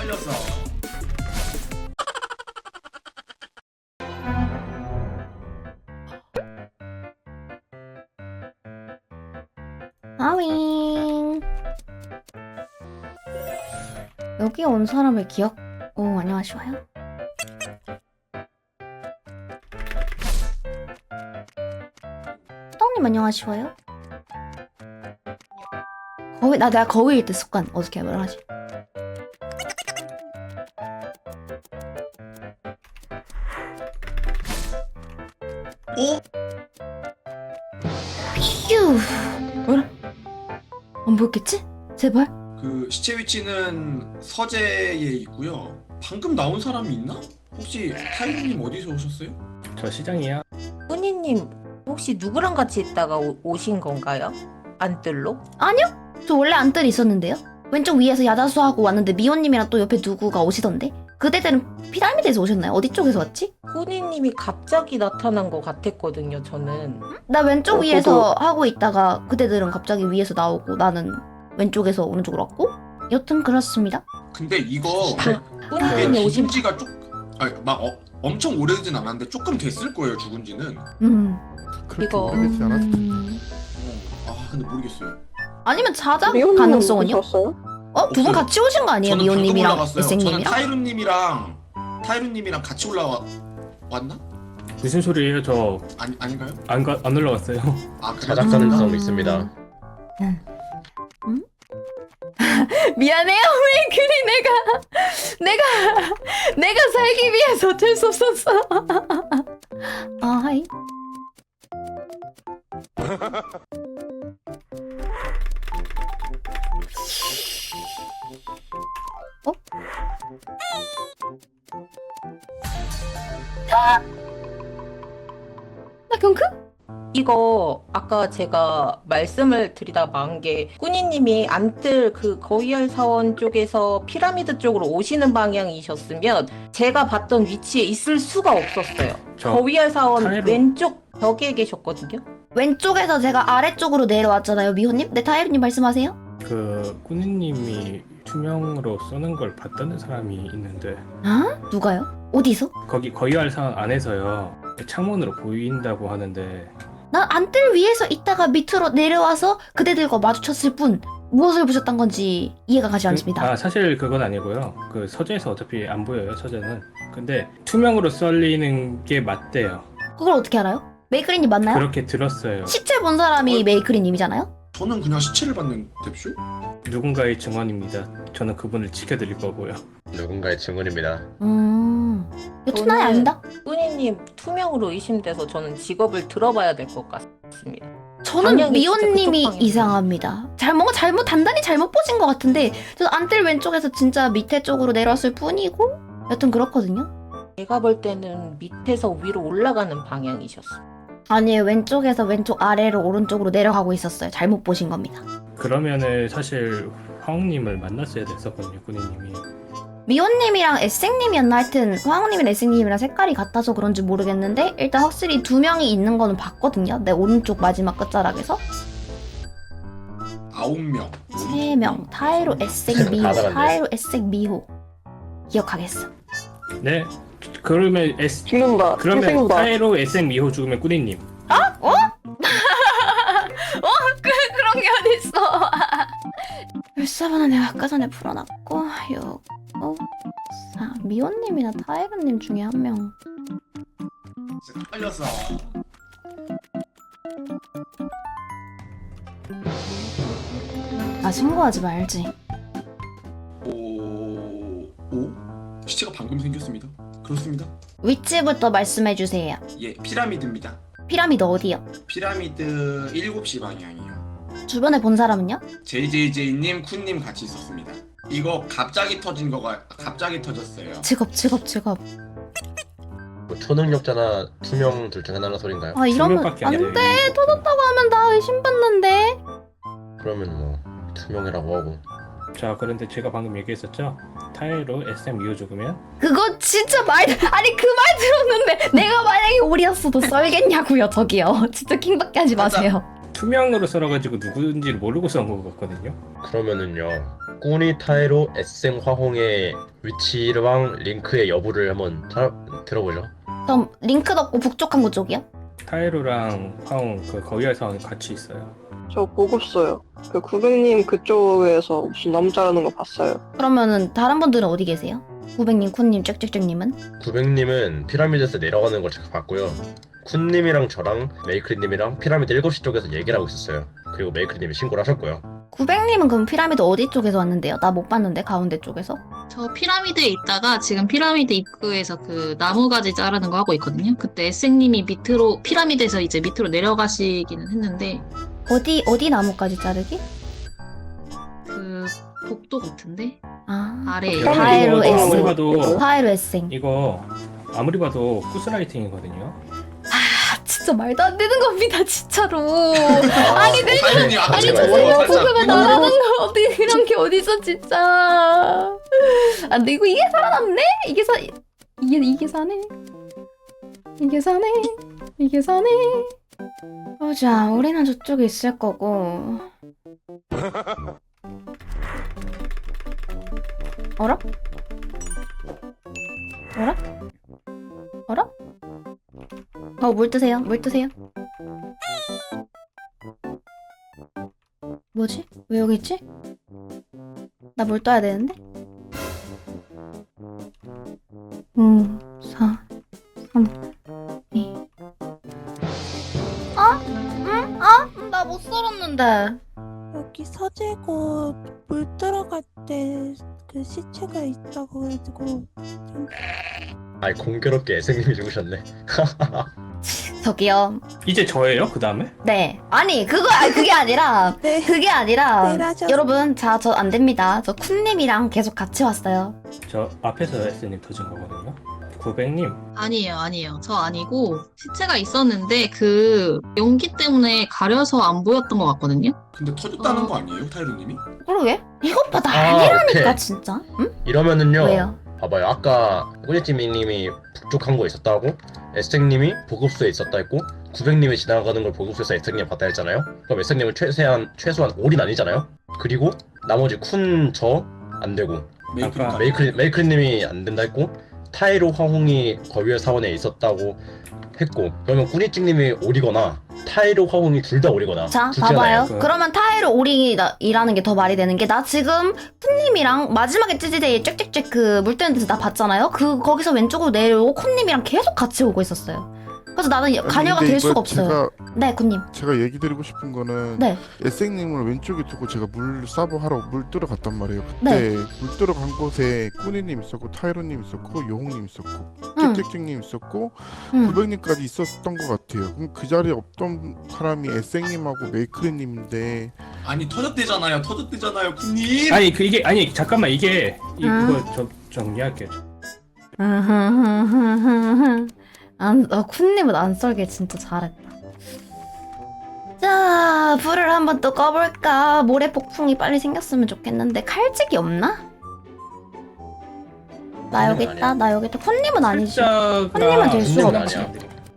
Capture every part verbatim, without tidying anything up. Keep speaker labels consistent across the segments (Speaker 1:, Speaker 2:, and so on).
Speaker 1: 살렸어.
Speaker 2: 아윙. 여기 온 사람의 기억. 오, 안녕하시와요. 떡님 안녕하시와요. 거위 나 내가 거위일 때 습관 어떻게 말을 하지?
Speaker 1: 오?
Speaker 2: 휴. 뭐라? 안 보였겠지? 제발.
Speaker 1: 그 시체 위치는 서재에 있고요. 방금 나온 사람이 있나? 혹시 타이님 어디서 오셨어요?
Speaker 3: 저 시장이야.
Speaker 4: 꾸니님 혹시 누구랑 같이 있다가 오, 오신 건가요? 안뜰로?
Speaker 2: 아니요. 저 원래 안뜰 있었는데요. 왼쪽 위에서 야자수하고 왔는데 미호님이랑 또 옆에 누구가 오시던데. 그대들은 피라미드에서 오셨나요? 어디 쪽에서 왔지?
Speaker 4: 꾸니님이 갑자기 나타난 것 같았거든요. 저는
Speaker 2: 나 왼쪽
Speaker 4: 어,
Speaker 2: 위에서 하고 있다가 그대들은 갑자기 위에서 나오고 나는 왼쪽에서 오른쪽으로 왔고 여튼 그렇습니다.
Speaker 1: 근데 이거 이게
Speaker 4: 꾸니님이 오신
Speaker 1: 죽은 지가 쭉 아니 막 어, 엄청 오래되진 않았는데 조금 됐을 거예요. 죽은 지는.
Speaker 2: 음.
Speaker 5: 그렇게
Speaker 4: 이거-
Speaker 5: 오래되지 않았어.
Speaker 2: 음...
Speaker 1: 아 근데 모르겠어요.
Speaker 2: 아니면 자작
Speaker 6: 미호님
Speaker 2: 가능성은요?
Speaker 6: 오셨어요?
Speaker 2: 어? 두 분
Speaker 1: 없어요.
Speaker 2: 같이 오신 거 아니에요?
Speaker 1: 저는 방금
Speaker 2: 미호님이랑
Speaker 1: 올라갔어요. 저는
Speaker 2: 에생님이랑?
Speaker 1: 타이루님이랑 타이루님이랑 같이 올라와 왔나?
Speaker 3: 무슨 소리예요? 저
Speaker 1: 아니 아닌가요?
Speaker 3: 안 가, 안 올라갔어요.
Speaker 1: 아 그래요?
Speaker 7: 자작 가능성
Speaker 2: 음.
Speaker 7: 있습니다.
Speaker 2: 미안해요 메이크리 내가 내가 내가 살기 위해서 어쩔 수 없었어. 아 하이. 어? 아! 나 경크?
Speaker 4: 이거 아까 제가 말씀을 드리다 만 게 꾸니님이 안뜰 그 거위알 사원 쪽에서 피라미드 쪽으로 오시는 방향이셨으면 제가 봤던 위치에 있을 수가 없었어요.
Speaker 3: 저
Speaker 4: 거위알 사원
Speaker 3: 타이로-
Speaker 4: 왼쪽 벽에 계셨거든요.
Speaker 2: 왼쪽에서 제가 아래쪽으로 내려왔잖아요 미호님. 네 타이루님 말씀하세요.
Speaker 3: 그 꾸니님이 투명으로 쏘는 걸 봤다는 사람이 있는데
Speaker 2: 아? 누가요? 어디서?
Speaker 3: 거기 거위알 상황 안에서요. 창문으로 보인다고 하는데
Speaker 2: 난 안뜰 위에서 있다가 밑으로 내려와서 그대들과 마주쳤을 뿐 무엇을 보셨던 건지 이해가 가지 않습니다.
Speaker 3: 아 사실 그건 아니고요. 그 서재에서 어차피 안 보여요. 서재는. 근데 투명으로 썰리는 게 맞대요.
Speaker 2: 그걸 어떻게 알아요? 메이크리님 맞나요?
Speaker 3: 그렇게 들었어요.
Speaker 2: 시체 본 사람이
Speaker 1: 어?
Speaker 2: 메이크리님이잖아요?
Speaker 1: 저는 그냥 시체를 받는 뎁쇼?
Speaker 3: 누군가의 증언입니다. 저는 그분을 지켜드릴 거고요.
Speaker 7: 누군가의 증언입니다.
Speaker 2: 음... 여튼 나야
Speaker 4: 저는-
Speaker 2: 아니다?
Speaker 4: 꾸니님 투명으로 의심돼서 저는 직업을 들어봐야 될 것 같습니다.
Speaker 2: 저는
Speaker 4: 방향이 진짜
Speaker 2: 미호님이
Speaker 4: 그쪽 방향이에요.
Speaker 2: 이상합니다. 잘 뭔가 잘못 단단히 잘못 보신 것 같은데 저 안뜰 왼쪽에서 진짜 밑에 쪽으로 내려왔을 뿐이고 여튼 그렇거든요.
Speaker 4: 제가 볼 때는 밑에서 위로 올라가는 방향이셨어요.
Speaker 2: 아니에요. 왼쪽에서 왼쪽 아래로 오른쪽으로 내려가고 있었어요. 잘못 보신 겁니다.
Speaker 3: 그러면은 사실 화웅님을 만났어야 됐었거든요. 꾸니님이.
Speaker 2: 미호님이랑 에생님이었나 하여튼 화학님이랑 에생님이랑 색깔이 같아서 그런지 모르겠는데 일단 확실히 두 명이 있는 거는 봤거든요. 내 오른쪽 마지막 끝자락에서
Speaker 1: 아홉 명.
Speaker 2: 세 명 타이로 에생 미호
Speaker 7: 다 달았네.
Speaker 2: 타이로 에생 미호 기억하겠어.
Speaker 3: 네. 그러면 S
Speaker 6: 죽는다.
Speaker 3: 그러면
Speaker 6: 죽는다.
Speaker 3: 타이로 에스엠 미호 죽으면 꾸니님.
Speaker 2: 그런 게 어딨어. 일사번은 내가 아까 전에 풀어놨고 육, 오, 사 미호님이나 타이로님 중에 한 명.
Speaker 1: 살렸어.
Speaker 2: 아 신고하지 말지.
Speaker 1: 오... 오? 시체가 방금 생겼습니다. 그렇습니다.
Speaker 2: 위치부터 말씀해주세요.
Speaker 1: 예, 피라미드입니다.
Speaker 2: 피라미드 어디요?
Speaker 1: 피라미드 일곱 시 방향이요.
Speaker 2: 주변에 본 사람은요?
Speaker 1: 제이제이제이님, 쿤님 같이 있었습니다. 이거 갑자기 터진 거가 갑자기 터졌어요.
Speaker 2: 직업 직업 직업.
Speaker 7: 뭐 초능력자나 투명 둘 중 하나라 소린가요?
Speaker 2: 아 이러면
Speaker 3: 투명밖에 안
Speaker 2: 안돼.
Speaker 3: 돼요.
Speaker 2: 터졌다고 하면 나 의심받는데.
Speaker 7: 그러면 뭐 투명이라고 하고.
Speaker 3: 자 그런데 제가 방금 얘기했었죠. 타이로 에스엠 미호 죽으면
Speaker 2: 그거 진짜 말 아니 그 말 들었는데 내가 만약에 오리였어도 썰겠냐고요 저기요. 진짜 킹받게 하지 마세요.
Speaker 3: 투명으로 썰어가지고 누구인지를 모르고 썬 것 같거든요.
Speaker 7: 그러면은요 꾸니 타이로 에생 화홍의 위치랑 링크의 여부를 한번 타, 들어보죠.
Speaker 2: 그럼 링크 넣고 북쪽 항구 쪽이요?
Speaker 3: 타이로랑 화웅 그 거위알 사원이 같이 있어요.
Speaker 5: 저 보고있어요. 그 구백님 그쪽에서 무슨 나무 자르는 거 봤어요.
Speaker 2: 그러면은 다른 분들은 어디 계세요? 구백님, 쿤님, 짹짹짹님은?
Speaker 7: 구백님은 피라미드에서 내려가는 걸 제가 봤고요. 쿤님이랑 저랑 메이크리님이랑 피라미드 일곱 시 쪽에서 얘기를 하고 있었어요. 그리고 메이크리님이 신고를 하셨고요.
Speaker 2: 구백님은 그럼 피라미드 어디 쪽에서 왔는데요? 나 못 봤는데 가운데 쪽에서?
Speaker 6: 저 피라미드에 있다가 지금 피라미드 입구에서 그 나무가지 자르는 거 하고 있거든요. 그때 에스님이 밑으로 피라미드에서 이제 밑으로 내려가시기는 했는데
Speaker 2: 어디 어디 나무까지 자르기?
Speaker 6: 그 복도 같은데
Speaker 2: 아
Speaker 6: 아래에
Speaker 3: 피라미드
Speaker 2: 타이로
Speaker 3: 이거
Speaker 2: 에스.
Speaker 3: 아무리 봐도
Speaker 2: 파이로 에생.
Speaker 3: 이거 아무리 봐도 쿠스라이팅이거든요.
Speaker 2: 아 진짜 말도 안 되는 겁니다 진짜로.
Speaker 7: 아니
Speaker 2: 네.
Speaker 1: 타이로님 아까
Speaker 2: 아니
Speaker 1: 제가
Speaker 2: 저
Speaker 1: 뭐라고
Speaker 2: 생각
Speaker 1: 살짝
Speaker 2: 보고만
Speaker 1: 의문을
Speaker 2: 나라는 거 어디 이런 게 어딨어 진짜. 아 근데 이거 이게 살아남네? 이게 사 이게 이게 사네. 이게 사네. 이게 사네. 보자 우리는 저쪽에 있을 거고. 어라? 어라? 어라? 어, 물 드세요. 물 드세요. 뭐지? 왜 여기 있지? 나 물 떠야 되는데? 오, 사, 삼, 이. 어? 응? 어? 나 못 썰었는데.
Speaker 8: 여기 서재고 물 들어갈 때 그 시체가 있다고 해가지고
Speaker 7: 아이 공교롭게 에생님이 죽으셨네.
Speaker 2: 저기요.
Speaker 3: 이제 저예요? 그 다음에?
Speaker 2: 네. 아니, 그거, 아니, 그게 아니라,
Speaker 8: 네.
Speaker 2: 그게 아니라,
Speaker 8: 네, 하셨-
Speaker 2: 여러분, 자, 저 안 됩니다. 저 쿤님이랑 계속 같이 왔어요.
Speaker 3: 저 앞에서 에스님 터진 거거든요. 구백님
Speaker 6: 아니에요, 아니에요. 저 아니고 시체가 있었는데 그 연기 때문에 가려서 안 보였던 것 같거든요.
Speaker 1: 근데 터졌다는
Speaker 6: 어.
Speaker 1: 거 아니에요 타이로님이?
Speaker 2: 그러게? 이것 봐,
Speaker 7: 아,
Speaker 2: 난리라니까,
Speaker 7: 오케이.
Speaker 2: 진짜. 응?
Speaker 7: 이러면은요.
Speaker 2: 왜요?
Speaker 7: 봐봐요. 아까 꾸니찌미님이 북쪽 항구에 있었다고, 에스택님이 보급소에 있었다 했고, 구백님이 지나가는 걸 보급소에서 에스택님 봤다 했잖아요. 그럼 에스택님은 최소한 최소한 올인 아니잖아요. 그리고 나머지 쿤 저 안 되고
Speaker 1: 메이크업
Speaker 3: 아까
Speaker 7: 메이크리 메이크리님이 안 된다 했고, 타이로 화홍이 거위의 사원에 있었다고 했고, 그러면 꾸니찌님이 오리거나 타이로 화홍이 둘 다 오리거나.
Speaker 2: 자,
Speaker 7: 둘 중에 하나예요.
Speaker 2: 봐봐요. 그러면 타이로 오리이라는 게 더 말이 되는 게, 나 지금 쿤님이랑 마지막에 찌지데이 짹짹짹 그 물 뜨는 데서 나 봤잖아요? 그, 거기서 왼쪽으로 내려오고 쿤님이랑 계속 같이 오고 있었어요. 그래서 나는
Speaker 9: 아니,
Speaker 2: 관여가
Speaker 9: 근데
Speaker 2: 될
Speaker 9: 이거
Speaker 2: 수가 없어요.
Speaker 9: 제가,
Speaker 2: 네, 쿤님.
Speaker 9: 제가 얘기 드리고 싶은 거는
Speaker 2: 네.
Speaker 9: 에생님을 왼쪽에 두고 제가 물 사보 하러 물 뜨러 갔단 말이에요.
Speaker 2: 네.
Speaker 9: 그때 물 뜨러 간 곳에 꾸니님 있었고 타이로님 있었고 요홍님 있었고
Speaker 2: 응.
Speaker 9: 짹짹짹님 있었고
Speaker 2: 응.
Speaker 9: 구백님까지 있었던 것 같아요. 그럼 그 자리에 없던 사람이 에생님하고 메이크리님인데
Speaker 1: 아니 터졌대잖아요 터졌대잖아요 쿤님.
Speaker 3: 아니 그 이게 아니 잠깐만 이게 이,
Speaker 2: 음.
Speaker 3: 이거 저 정리할게요.
Speaker 2: 안, 어, 쿤님은 안 썰길 진짜 잘했다. 자, 불을 한번 또 꺼볼까? 모래 폭풍이 빨리 생겼으면 좋겠는데 칼집이 없나? 나 여기
Speaker 7: 쿤님은
Speaker 2: 있다,
Speaker 7: 아니야.
Speaker 2: 나 여기 있다. 쿤님은 아니지.
Speaker 3: 숫자가
Speaker 2: 쿤님은 될 수가
Speaker 7: 쿤님은
Speaker 2: 없지.
Speaker 7: 아니야.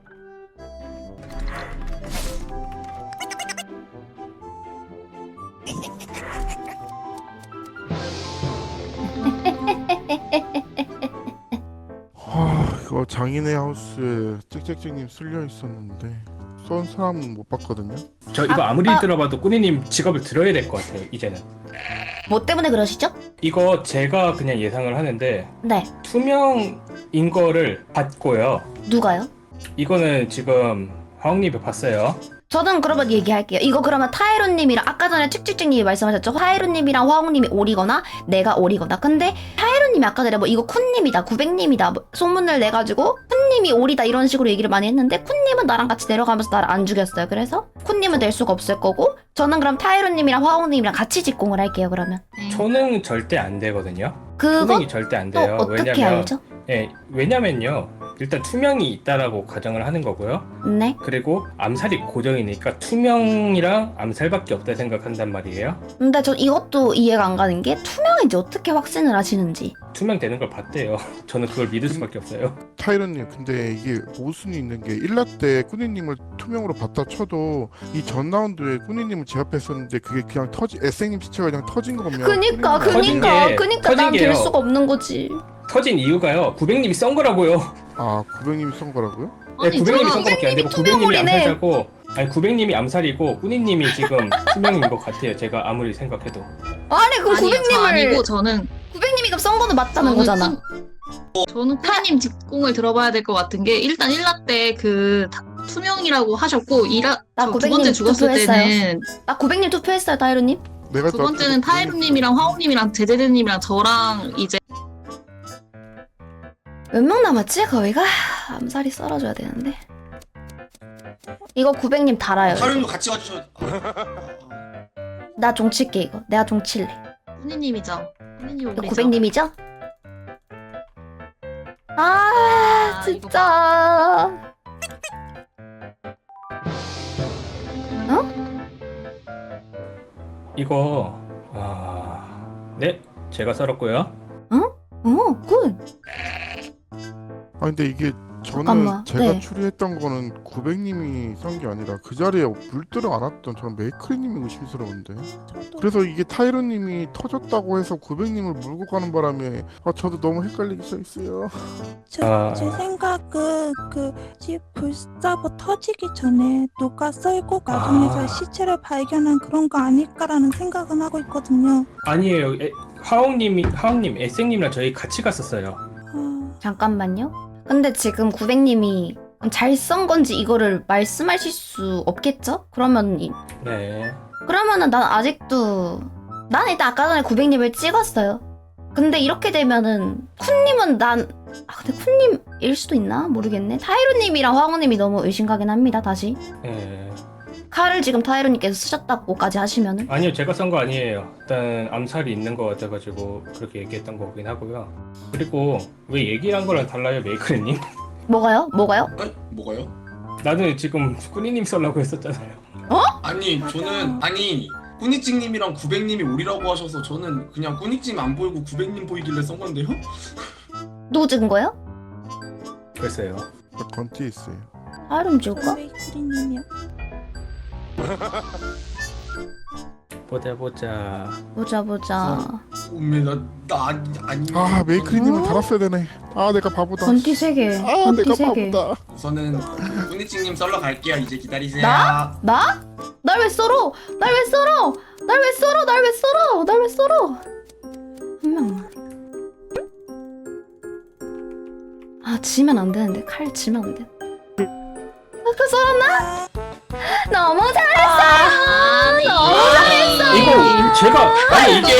Speaker 9: 아 이거 장인의 하우스에 짹짹짹님 쓸려 있었는데 쏜 사람은 못 봤거든요.
Speaker 3: 저 이거
Speaker 2: 아,
Speaker 3: 아무리
Speaker 2: 아.
Speaker 3: 들어봐도 꾸니님 직업을 들어야 될 것 같아요. 이제는
Speaker 2: 뭐 때문에 그러시죠?
Speaker 3: 이거 제가 그냥 예상을 하는데
Speaker 2: 네.
Speaker 3: 투명인 거를 봤고요.
Speaker 2: 누가요?
Speaker 3: 이거는 지금 화웅님이 봤어요.
Speaker 2: 저는 그러면 얘기할게요. 이거 그러면 타이로님이랑 아까 전에 칙칙칙님이 말씀하셨죠? 타이로님이랑 화홍님이 오리거나 내가 오리거나. 근데 타이로님이 아까 전에 뭐 이거 쿤님이다, 구백님이다 뭐 소문을 내가지고 쿤님이 오리다 이런 식으로 얘기를 많이 했는데 쿤님은 나랑 같이 내려가면서 나를 안 죽였어요. 그래서 쿤님은 될 수가 없을 거고 저는 그럼 타이로님이랑 화홍님이랑 같이 직공을 할게요. 그러면
Speaker 6: 네.
Speaker 3: 초능 절대 안 되거든요.
Speaker 2: 그거
Speaker 3: 초능이 절대 안
Speaker 2: 또
Speaker 3: 돼요.
Speaker 2: 어떻게
Speaker 3: 왜냐면
Speaker 2: 알죠?
Speaker 3: 예, 왜냐면요. 일단 투명이 있다라고 가정을 하는 거고요.
Speaker 2: 네.
Speaker 3: 그리고 암살이 고정이니까 투명이랑 암살밖에 없다 생각한단 말이에요.
Speaker 2: 근데 저 이것도 이해가 안 가는 게 투명인지 어떻게 확신을 하시는지.
Speaker 3: 투명되는 걸 봤대요. 저는 그걸 믿을 수밖에 없어요.
Speaker 9: 타이런님 근데 이게 모순이 있는 게 일 라 때 꾸니님을 투명으로 봤다 쳐도 이 전 라운드에 꾸니님을 제압했었는데 그게 그냥 터지 에스님 시체가 그냥 터진 거면
Speaker 2: 그니까
Speaker 9: 꾸니님은
Speaker 3: 터진
Speaker 2: 그니까
Speaker 3: 게-
Speaker 2: 그니까
Speaker 3: 터진
Speaker 2: 난 될
Speaker 3: 게요.
Speaker 2: 수가 없는 거지.
Speaker 3: 터진 이유가요. 구백님이 썬 거라고요.
Speaker 9: 아 구백님이 쏜 거라고요?
Speaker 3: 네,
Speaker 6: 아니
Speaker 3: 구백님이
Speaker 6: 저는
Speaker 3: 쏜 거밖에 안 되고 구백님이
Speaker 2: 투명물이네.
Speaker 3: 암살자고 아니 구백님이 암살이고 꾸니님이 지금 투명인 것 같아요. 제가 아무리 생각해도.
Speaker 2: 아니 그
Speaker 6: 아니요, 저
Speaker 2: 구백님을
Speaker 6: 아니고 저는
Speaker 2: 구백님이 썬 거는 맞다는
Speaker 6: 저는
Speaker 2: 거잖아.
Speaker 6: 쿤- 저는 쿠니님 직공을 들어봐야 될 것 같은 게 일단 일 라 때 그 투명이라고 하셨고 이라
Speaker 2: 나
Speaker 6: 저 두
Speaker 2: 구백님
Speaker 6: 번째 죽었을
Speaker 2: 투표했어요.
Speaker 6: 때는
Speaker 2: 나 구백님 투표했어요, 타이로님.
Speaker 9: 내가
Speaker 6: 두 번째는 타이루님이랑 화우님이랑 제제드님이랑 저랑 이제
Speaker 2: 몇 명 남았지? 거기가 암살이 썰어줘야 되는데. 이거 구백님 달아요. 이거.
Speaker 1: 타이론도 같이 가주셔.
Speaker 2: 나 종칠게 이거. 내가 종칠래.
Speaker 6: 쿠니님이죠. 쿠니님
Speaker 2: 이거
Speaker 6: 올리죠.
Speaker 2: 구백님이죠? 아
Speaker 6: 아,
Speaker 2: 진짜.
Speaker 3: 이거 아... 네 제가 썰었고요.
Speaker 2: 어, 굿.
Speaker 9: 아 근데 이게 저는
Speaker 2: 잠깐만,
Speaker 9: 제가
Speaker 2: 네.
Speaker 9: 추리했던 거는 구백님이 쏜 게 아니라 그 자리에 물들어 안았던 저는 메이크리님이 의심스러운데
Speaker 8: 저도
Speaker 9: 그래서 이게 타이런님이 터졌다고 해서 구백님을 물고 가는 바람에 아 저도 너무 헷갈리기 시작했어요.
Speaker 8: 제,
Speaker 3: 아.
Speaker 8: 제 생각은 그 집 불사보 터지기 전에 누가 썰고 나중에서
Speaker 3: 아.
Speaker 8: 시체를 발견한 그런 거 아닐까라는 생각은 하고 있거든요.
Speaker 3: 아니에요. 에, 하옹님이 하옹님 에생님이랑 저희 같이 갔었어요.
Speaker 8: 아,
Speaker 2: 잠깐만요. 근데 지금 구백님이 잘 썬 건지 이거를 말씀하실 수 없겠죠? 그러면 이-
Speaker 3: 네.
Speaker 2: 그러면은 난 아직도 난 일단 아까 전에 구백님을 찍었어요. 근데 이렇게 되면은 쿤님은 난 아 근데 쿤님일 수도 있나 모르겠네. 타이로님이랑 황호님이 너무 의심가긴 합니다. 다시
Speaker 3: 네.
Speaker 2: 칼을 지금 타이로님께서 쓰셨다고까지 하시면은
Speaker 3: 아니요 제가 썬 거 아니에요. 일단 암살이 있는 거 같아가지고 그렇게 얘기했던 거긴 하고요. 그리고 왜 얘기한 거랑 달라요 메이크리님?
Speaker 2: 뭐가요? 뭐가요?
Speaker 1: 에? 뭐가요?
Speaker 3: 나는 지금 꾸니님 썰라고 했었잖아요.
Speaker 1: 아니 저는 아니 꾸니찡님이랑 구백님이 오리라고 하셔서 저는 그냥 꾸니찡 안 보이고 구백님 보이길래 썬 건데요?
Speaker 2: 누구 찍은 거예요?
Speaker 3: 글쎄요.
Speaker 9: 저 건띠에 있어요.
Speaker 2: 타이로님 찍을까?
Speaker 8: 메이크리님이요.
Speaker 3: 보자 보자.
Speaker 2: 보자 보자.
Speaker 1: 오메 나나 아니 아니.
Speaker 9: 아 메이크리님을
Speaker 2: 어?
Speaker 9: 달았어야 되네. 아 내가 바보다.
Speaker 2: 건띠 세 개.
Speaker 9: 아
Speaker 2: 건띠
Speaker 9: 내가
Speaker 2: 세 개.
Speaker 9: 바보다.
Speaker 1: 우선은 꾸니찡님 썰러 갈게요. 이제 기다리세요.
Speaker 2: 나? 나? 날 왜 썰어? 날 왜 썰어? 날 왜 썰어? 날 왜 썰어? 날 왜 썰어? 한 명만. 아 지면 안 되는데 칼 지면 안 돼. 아까 썰었나? 너무 잘했어. 너무 잘했어.
Speaker 3: 이거 제가 아니 이게